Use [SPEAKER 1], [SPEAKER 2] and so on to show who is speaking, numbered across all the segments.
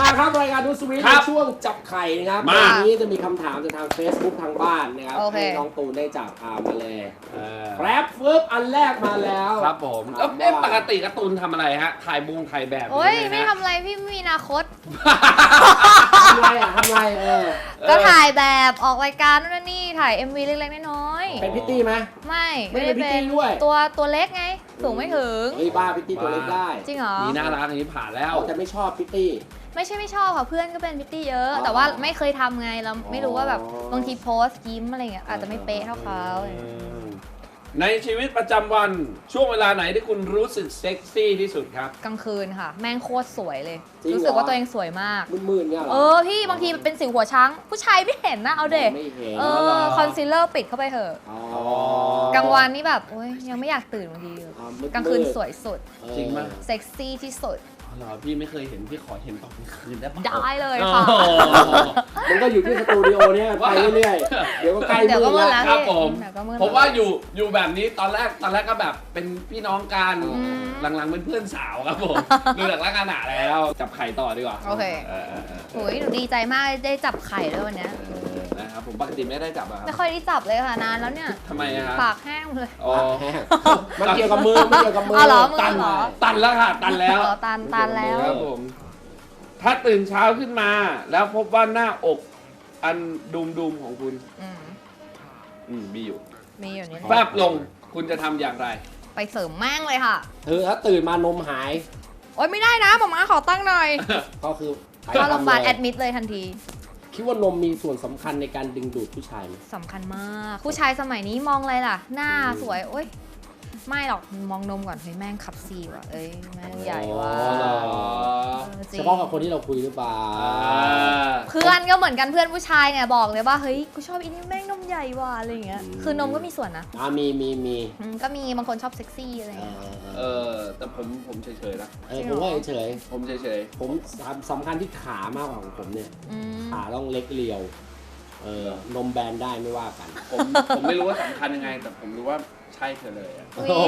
[SPEAKER 1] ครับรายการดูสวีทในช่วงจับไข่นะครับวันนี้จะมีคำถามจากทาง Facebook ทางบ้านนะครับให้น้องตูนได้จับมาเลยแป๊บฟึบอันแรกมาแล้ว
[SPEAKER 2] ครับผมปกติการ์ตูนทำอะไรฮะถ่ายแบบ
[SPEAKER 3] โอ้ยไม่ทำอะไรพี่ไม่มีอนาคต
[SPEAKER 1] ทำไร
[SPEAKER 3] ก็ถ่ายแบบออกรายการนู่นนี่ถ่าย MV เล็กๆน้อยๆ
[SPEAKER 1] เป็นพิตตี้ไหม
[SPEAKER 3] ไม่ได้เป็นตัวเล็กไงสูงไม่ถึง
[SPEAKER 1] เฮ้ยบ้าพิตตี้ตัวเล็กได้
[SPEAKER 3] จริงเหรอ
[SPEAKER 2] นี่น่ารักอย่างนี้ผ่านแล้ว
[SPEAKER 1] แต่ไม่ชอบพิตตี้
[SPEAKER 3] ไม่ใช่ไม่ชอบค่ะเพื่อนก็เป็นพิตตี้เยอะแต่ว่าไม่เคยทำไงเราไม่รู้ว่าแบบบางทีโพสต์ยิ้มอะไรเงี้ยอาจจะไม่เป๊ะเท่าเขา
[SPEAKER 2] ในชีวิตประจำวันช่วงเวลาไหนที่คุณรู้สึกเซ็กซี่ที่สุดครับ
[SPEAKER 3] กลางคืนค่ะแม่งโคตรสวยเลยรู้สึกว่าตัวเองสวยมาก
[SPEAKER 1] มืดๆเนี่ยเหรอ
[SPEAKER 3] พี่บางทีเป็นสิวหัวช้างผู้ชายไม่เห็นนะเอาเด็กคอนซีลเลอร์ปิดเข้าไปเถอะกลางวันนี่แบบโอ๊ยยังไม่อยากตื่นบางทีกลางคืนสวยสุด
[SPEAKER 2] จริงมั้ย
[SPEAKER 3] เซ็กซี่ที่สุด
[SPEAKER 2] เหรอพี่ไม่เคยเห็นพี่ขอเห็นตอนกลางคืนได้ปะ
[SPEAKER 3] ได้เลยค่ะ
[SPEAKER 1] มันก็อยู่ที่สตูดิโอเนี่ยไปเรื่อยๆเดี๋ยวก็ใกล้มืดแล้ว
[SPEAKER 2] ครับผมว่าอยู่แบบนี้ตอนแรกก็แบบเป็นพี่น้องกันหลังๆเป็นเพื่อนสาวครับผมดูจากลักษณะแล้วจับไข่ต่อดีกว่า
[SPEAKER 3] โอเคโอ้ยหนูดีใจมากได้จับไข่ด้วยวันนี้
[SPEAKER 2] นะครับผมปกติไม่ได้จับอะครับ
[SPEAKER 3] ไม่ค่อยได้จับเลยค่ะนานแล้วเนี่ย
[SPEAKER 2] ทำไมอะ
[SPEAKER 3] ปากแห้งเลย
[SPEAKER 1] มันเกี่ยวกับมือไม่เกี่ยวกับมือ
[SPEAKER 2] ตันแล้วค่ะตันแล้ว
[SPEAKER 3] ตันแล้ว
[SPEAKER 2] ครับผมถ้าตื่นเช้าขึ้นมาแล้วพบว่าหน้าอกอันดุมของคุณมีอยู่
[SPEAKER 3] นี่
[SPEAKER 2] แฟบลงคุณจะทำอย่างไร
[SPEAKER 3] ไปเสริมแม่งเลยค่ะ
[SPEAKER 1] ถ้าตื่นมานมหาย
[SPEAKER 3] โอ๊ยไม่ได้นะหม่าขอตั้งหน่อย
[SPEAKER 1] ก็คือ
[SPEAKER 3] เข้าโรงพยาบาลแอดมิดเลยทันที
[SPEAKER 1] คิดว่านมมีส่วนสำคัญในการดึงดูดผู้ชายไหม
[SPEAKER 3] สำคัญมากผู้ชายสมัยนี้มองอะไรล่ะหน้าสวยโอ๊ยไม่หรอกมองนมก่อนเฮ้ยแม่งขับซีว่ะเอ้ยแม่งใหญ่ว่ะ
[SPEAKER 1] เฉพาะกับคนที่เราคุยหรือเปล่า
[SPEAKER 3] เพื่อนก็เหมือนกันเพื่อนผู้ชายเนี่ยบอกเลยว่าเฮ้ยกูชอบอีนี่แม่งนมใหญ่ว่ะอะไรอย่างเงี้ยคือนมก็มีส่วนนะ
[SPEAKER 1] มี
[SPEAKER 3] ก็มีบางคนชอบเซ็กซี่อะไรอย่างเงี้ย
[SPEAKER 2] แต่ผมเฉยๆนะ
[SPEAKER 1] ผมว่าเฉย
[SPEAKER 2] ผม
[SPEAKER 1] ผมสำคัญที่ขามากกว่าของผมเนี่ยขาต้องเล็กเรียวนมแบนได้ไม่ว่ากัน
[SPEAKER 2] ผมไม่รู้ว่าสำคัญยังไงแต่ผมรู้ว่าใช่เธอเลย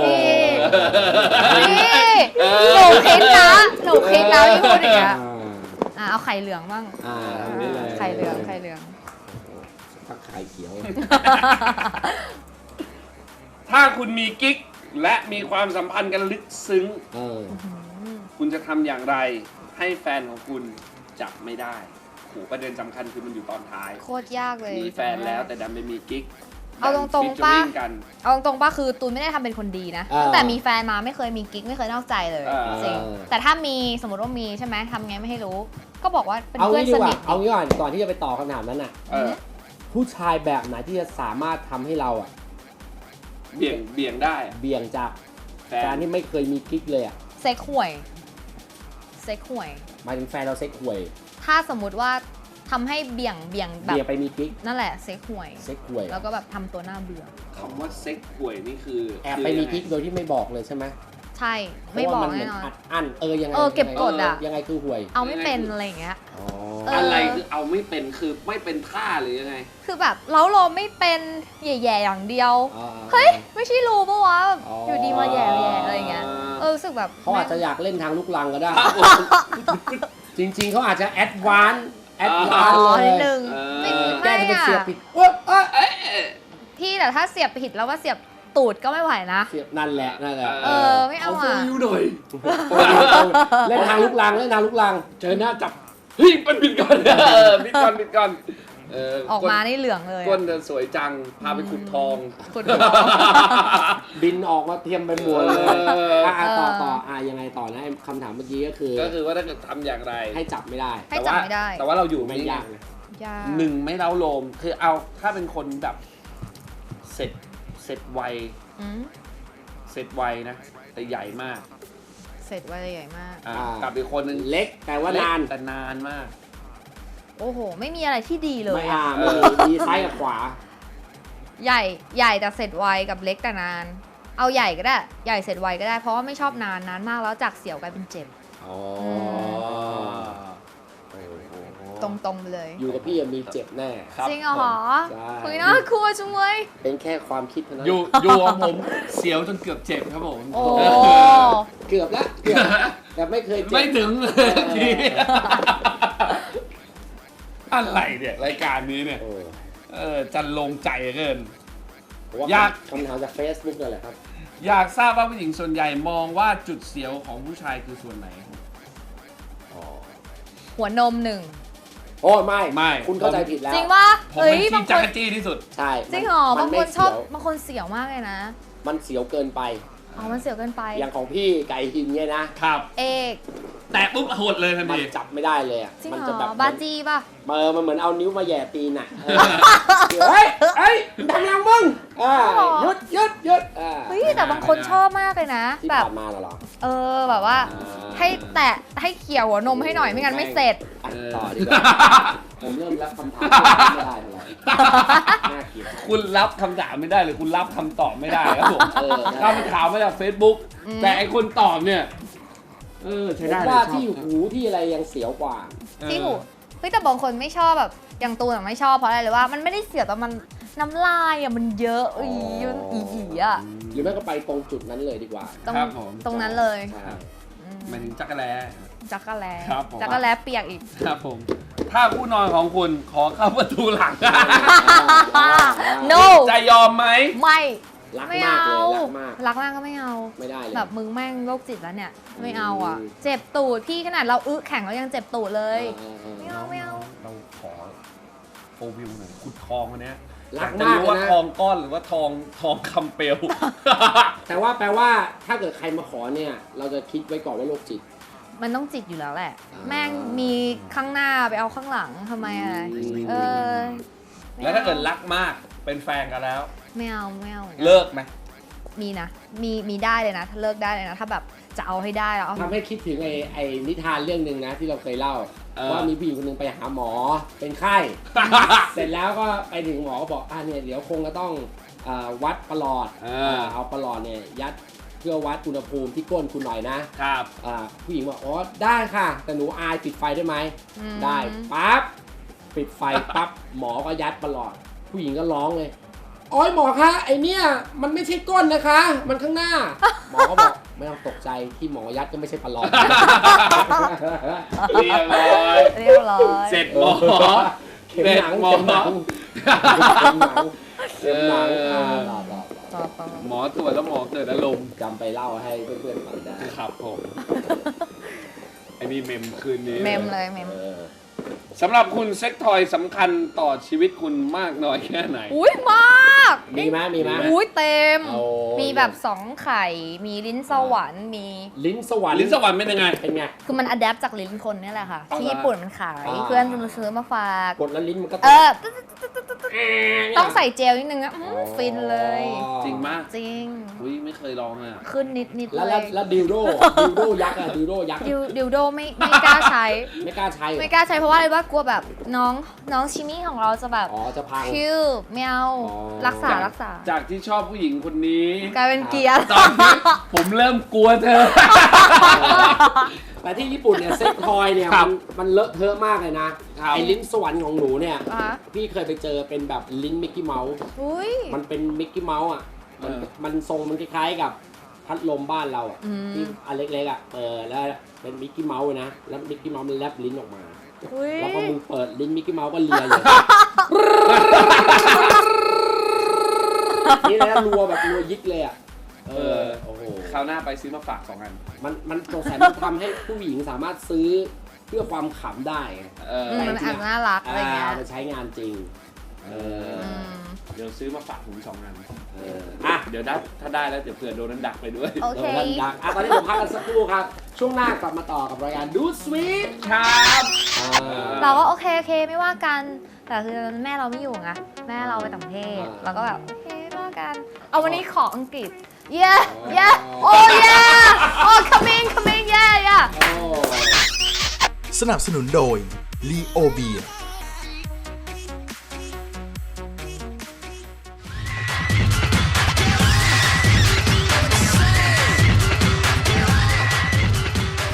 [SPEAKER 3] หนูคิดนะที่พูดอย่างเงี้ยเอาไข่เหลืองบ้างไข่เหลือง
[SPEAKER 1] ถ้าไข่เขียว
[SPEAKER 2] ถ้าคุณมีกิ๊กและมีความสัมพันธ์กันลึกซึ้งคุณจะทำอย่างไรให้แฟนของคุณจับไม่ได้ประเด็นสำคัญคือมันอยู่ตอนท้าย
[SPEAKER 3] โคตรยากเลย
[SPEAKER 2] มีแฟนแล้วแต่ดันไม่มีกิ๊ก
[SPEAKER 3] เอาตรงๆป้าคือตูนไม่ได้ทำเป็นคนดีนะตั้งแต่มีแฟนมาไม่เคยมีกิ๊กไม่เคยนอกใจเลยจริงแต่ถ้ามีสมมติว่ามีใช่ไหมทำไงไม่ให้รู้ก็บอกว่าเป็นเพื่อนสนิท
[SPEAKER 1] เอางี้ก่อนที่จะไปต่อคำถามนั้นน่ะผู้ชายแบบไหนที่จะสามารถทำให้เรา
[SPEAKER 2] เบี่ยงได้
[SPEAKER 1] เบี่ยงจากการที่ไม่เคยมีกิ๊กเลย
[SPEAKER 3] เซ็กห่วย
[SPEAKER 1] หมายถึงแฟนเราเซ็กห่วย
[SPEAKER 3] ถ้าสมมติว่าทำให้เบี่ยงแบบ
[SPEAKER 1] ไปมีกิ๊ก
[SPEAKER 3] นั่นแหละเซ็กห่วยแล้วก็แบบทำตัวหน้าเบื่อ
[SPEAKER 2] คำว่าเซ็กห่วยนี่คือ
[SPEAKER 1] แอบไปมีกิ๊กโดยที่ไม่บอกเลยใช่ไหม
[SPEAKER 3] ใช่ไม่บอกแน่นอน
[SPEAKER 1] ยังไง
[SPEAKER 3] เก็บกด
[SPEAKER 1] ยังไงคือห่วย
[SPEAKER 3] เอาไม่เป็นอะไรอย่างเงี้ย
[SPEAKER 2] อะไรคือเอาไม่เป็นคือไม่เป็นท่าหรือยังไง
[SPEAKER 3] คือแบบเล้าโลมไม่เป็นแย่ๆอย่างเดียวเฮ้ยไม่ใช่รู้ปะวะอยู่ดีมาแย่อะไรเงี้ยรู้สึกแบบ
[SPEAKER 1] เขาอาจจะอยากเล่นทางลูกลังก็ได้จริงๆเขาอาจจะแอดวานซ์
[SPEAKER 3] นิดนึง
[SPEAKER 1] ไม่เสียบผิด
[SPEAKER 3] พี่แต่ถ้าเสียบผิดแล้วว่าเสียบตูดก็ไม่ไหวนะ
[SPEAKER 1] เสียบนั่นแหละ
[SPEAKER 3] ไม่เอาอ่ะ
[SPEAKER 2] หน่อย
[SPEAKER 1] เล่นทางลูกลัง
[SPEAKER 2] เจอหน้าจับเฮ้ยมันปิดก่อนปิดก่อน
[SPEAKER 3] ออกมานี่เหลืองเลย
[SPEAKER 2] ก้นสวยจังพาไปขุดทอง
[SPEAKER 1] บินออกมาเทียมไปหมดเลยต่อยังไงต่อนะคำถามเมื่อกี้ก็คือ
[SPEAKER 2] ว่าถ้าเกิดทำอย่างไร
[SPEAKER 1] ให้จับไม่ได้
[SPEAKER 2] แต่ว่าเราอยู่
[SPEAKER 1] ไม่ยาก
[SPEAKER 2] หนึ่งไม่เล้าโลมคือเอาถ้าเป็นคนแบบเสร็จไวนะแต่ใหญ่มาก
[SPEAKER 3] เสร็จไวใหญ่มาก
[SPEAKER 2] กับอีกคนนึง
[SPEAKER 1] เล็กแต่ว่านาน
[SPEAKER 2] แต่นานมาก
[SPEAKER 3] โอ้โหไม่มีอะไรที่ดีเลย
[SPEAKER 1] มีซ้ายกับขวา
[SPEAKER 3] ใหญ่แต่เสร็จไวกับเล็กแต่นานเอาใหญ่ก็ได้ใหญ่เสร็จไวก็ได้เพราะว่าไม่ชอบนานมากแล้วจากเสียวกลายเป็นเจ็บตรงๆเลย
[SPEAKER 1] อยู่กับพี่มีเจ็บแน่
[SPEAKER 3] จริงเหรอคุยน่ากลัวจังเลย
[SPEAKER 1] เป็นแค่ความคิดเท่านั้น
[SPEAKER 2] อยู่ของผมเสียวจนเกือบเจ็บครับผม
[SPEAKER 1] เกือบแล้วแต่ไม่เคยเจ็บ
[SPEAKER 2] ไม่ถึงทีอะไรเนี่ยรายการนี้เนี่ยจันลงใจเกิน
[SPEAKER 1] อยากคำถามจาก Facebook นั่นแหละครับ
[SPEAKER 2] อยากทราบว่าผู้หญิงส่วนใหญ่มองว่าจุดเสียวของผู้ชายคือส่วนไหน
[SPEAKER 3] หัวนม1
[SPEAKER 1] โอ้ไม่คุณเข้าใจผิดแล้ว
[SPEAKER 3] จริงป่ะ
[SPEAKER 2] ผมเป็นที่จักรจี้ที่สุด
[SPEAKER 1] ใช่
[SPEAKER 3] จริงเหรอบางคนชอบบางคนเสียวมากเลยนะ
[SPEAKER 1] มันเสียวเกินไป
[SPEAKER 3] มันเสียวเกินไป
[SPEAKER 1] อย่างของพี่ไก่หินเนี่ยนะครับ
[SPEAKER 3] เอก
[SPEAKER 2] แต่ปุ๊บหดเลยทันที
[SPEAKER 1] มันจับไม่ได้เลยอ่ะ
[SPEAKER 3] มันจะแบบบาจีป่ะ
[SPEAKER 1] มันเหมือนเอานิ้วมาแย่ตีนอ่ะเฮ้ยทำยังมึงหยุด
[SPEAKER 3] เฮ้ยแต่บางคนชอบมากเลยนะ
[SPEAKER 1] แบบมาหรอ
[SPEAKER 3] แบบว่าให้แตะให้เขี่ยหัวนมให้หน่อยไม่งั้นไม่เสร็จ
[SPEAKER 1] ต่อดีกว่าผมเริ่มรับคำถามไม่ได้แล้ว
[SPEAKER 2] คุณรับคำถามไม่ได้หรือคุณรับคำตอบไม่ได้ครับผมถ้ามันถามมาจาก Facebook แต่ไอคนตอบเนี่ยใช่ได้
[SPEAKER 1] ว่าที่หูที่อะไรยังเสียวกว่า
[SPEAKER 3] ที่หูเฮ้ยแต่บางคนไม่ชอบแบบอย่างตูนไม่ชอบเพราะอะไรเลยว่ามันไม่ได้เสียวแต่มันน้ำลายมันเยอะมันอี
[SPEAKER 1] หรือไม่ก็ไปตรงจุดนั้นเลยดีกว่า
[SPEAKER 3] ตรงนั้นเลย
[SPEAKER 2] หมายถึงจักรแล้
[SPEAKER 3] จักรแล้เปียกอีก
[SPEAKER 2] ครับผมถ้าผู้นอนของคุณขอเข้าประตูหลัง
[SPEAKER 3] no
[SPEAKER 2] จะยอมไหม
[SPEAKER 3] ไม่
[SPEAKER 1] รักมากเลย
[SPEAKER 3] รักมากก็ไม่เอา
[SPEAKER 1] ไม่ได้เลย
[SPEAKER 3] แบบมึงแม่งโรคจิตแล้วเนี่ยไม่เอาอ่ะเจ็บตูดพี่ขนาดเราแข่งเรายังเจ็บตูดเลยไม่เอา
[SPEAKER 2] เราขอโฟวิวหน่อยขุดทองอันเนี้ย
[SPEAKER 1] รักมาก
[SPEAKER 2] ว่าทองก้อนหรือว่าทองคำเปลว
[SPEAKER 1] แต่ว่าแปลว่าถ้าเกิดใครมาขอเนี่ยเราจะคิดไว้ก่อนว่าโรคจิต
[SPEAKER 3] มันต้องจิตอยู่แล้วแหละแม่งมีข้างหน้าไปเอาข้างหลังทำไมอะไร
[SPEAKER 2] แล้วถ้าเกิดรักมากเป็นแฟนกันแล้ว
[SPEAKER 3] ไม่เอา
[SPEAKER 2] เลิกไหม
[SPEAKER 3] มีนะมีได้เลยนะถ้าเลิกได้เลยนะถ้าแบบจะเอาให้ได้
[SPEAKER 1] ทำให้คิดถึงไอ้นิทานเรื่องนึงนะที่เราเคยเล่าว่ามีผู้หญิงคนนึงไปหาหมอเป็นไข้ เสร็จแล้วก็ไปถึงหมอก็บอกเนี่ยเดี๋ยวคงจะต้องวัดประหลอดเอาประหลอดเนี่ยยัดเพื่อวัดอุณหภูมิที่ก้นคุณหน่อยนะครับผู้หญิงบอกได้ค่ะแต่หนูอายปิดไฟได้ไหมได้ปั๊บปิดไฟปั๊บหมอก็ยัดประหลอดผู้หญิงก็ร้องเลยโอ้ยหมอคะไอเนี่ยมันไม่ใช่ก้นนะคะมันข้างหน้าหมอก็บอกไม่ต้องตกใจที่หมอยัดก็ไม่ใช่ประหลอด
[SPEAKER 2] เรียบร้อยเสร็จหมอ
[SPEAKER 1] เข็มหนังหมอ
[SPEAKER 2] หมอตรวจแล้วหมอเกิดอารมณ์
[SPEAKER 1] จำไปเล่าให้เพื่อนๆฟังได้
[SPEAKER 2] ครับผมไอ้นี่เมมคืนนี้
[SPEAKER 3] เมมเลยเมม
[SPEAKER 2] สำหรับคุณเซ็กทอยสำคัญต่อชีวิตคุณมากน้อยแค่ไหน
[SPEAKER 3] มาก
[SPEAKER 1] มีไหม
[SPEAKER 3] เต็มมีแบบ2ไข่มีลิ้นสวรรค์มี
[SPEAKER 1] ลิ้นสวรรค์
[SPEAKER 2] เป็นยังไง
[SPEAKER 3] คือมันอัดแอปจากลิ้นคนนี่แหละค่ะที่ญี่ปุ่นมันขายเพื่อนซื้อมาฝาก
[SPEAKER 1] กดแล้วลิ้นมันก็
[SPEAKER 3] ต้องใส่เจลนิดนึงฟินเลย
[SPEAKER 2] จริงมาก
[SPEAKER 3] จริง
[SPEAKER 2] ไม่เคยลองเลย
[SPEAKER 3] ขึ้นนิด
[SPEAKER 1] เลยแล้วดิวโดยักษ์ดิวโดยักษ์
[SPEAKER 3] ดิวโดไม่กล้าใช้
[SPEAKER 1] ไม่กล้าใช้
[SPEAKER 3] เพราะว่าอะไรว่ากลัวแบบน้องชิมี่ของเราจะแบบ
[SPEAKER 1] จะพัง
[SPEAKER 3] คิวไม่เอารักษา
[SPEAKER 2] จากที่ชอบผู้หญิงคนนี้
[SPEAKER 3] กลายเป็นเกียร์
[SPEAKER 2] ตอนนี้ผมเริ่มกลัวเธอ
[SPEAKER 1] แต่ที่ญี่ปุ่นเนี่ยเซ็กทอยเนี่ยมันเลอะเทอะมากเลยนะไอ้ลิ้นสวรรค์ของหนูเนี่ยพี่เคยไปเจอเป็นแบบลิ้นมิกกี้เมาส์มันเป็นมิกกี้เมาส์อ่ะมันทรงมันคล้ายๆกับพัดลมบ้านเราอ่ะที่อันเล็กๆอ่ะแล้วเป็นมิกกี้เมาส์นะแล้วมิกกี้เมาส์มันแลบลิ้นออกมาแล้วพอมึงเปิดลิ้นมิกกี้เมาส์ก็เลียเลยนี่นะรัวยิกเลยอ่ะ
[SPEAKER 2] โอ้โหคราวหน้าไปซื้อมาฝาก2 อัน
[SPEAKER 1] มันสงสัยมันทำให้ผู้หญิงสามารถซื้อเพื่อความขำได้
[SPEAKER 3] มันน่ารักอะไรเงี้ย
[SPEAKER 1] มันใช้งานจริง
[SPEAKER 2] เดี๋ยวซื้อมาฝากผม2 อันเดี๋ยวถ้าได้แล้วเดี๋ยวเผื่อโดนนั้นดักไปด้วย
[SPEAKER 3] โอเค
[SPEAKER 1] ดักตอนนี้ผมพักกันสักครู่ครับช่วงหน้ากลับมาต่อกับรายการดูสวีท
[SPEAKER 2] ครับ
[SPEAKER 3] เราก็โอเคไม่ว่ากันแต่คือแม่เราไม่อยู่ไงแม่เราไปต่างประเทศเราก็แบบโอเคไม่ว่ากันเอาวันนี้ขออังกฤษyeah coming yeah
[SPEAKER 4] สนับสนุนโดย Leo Beer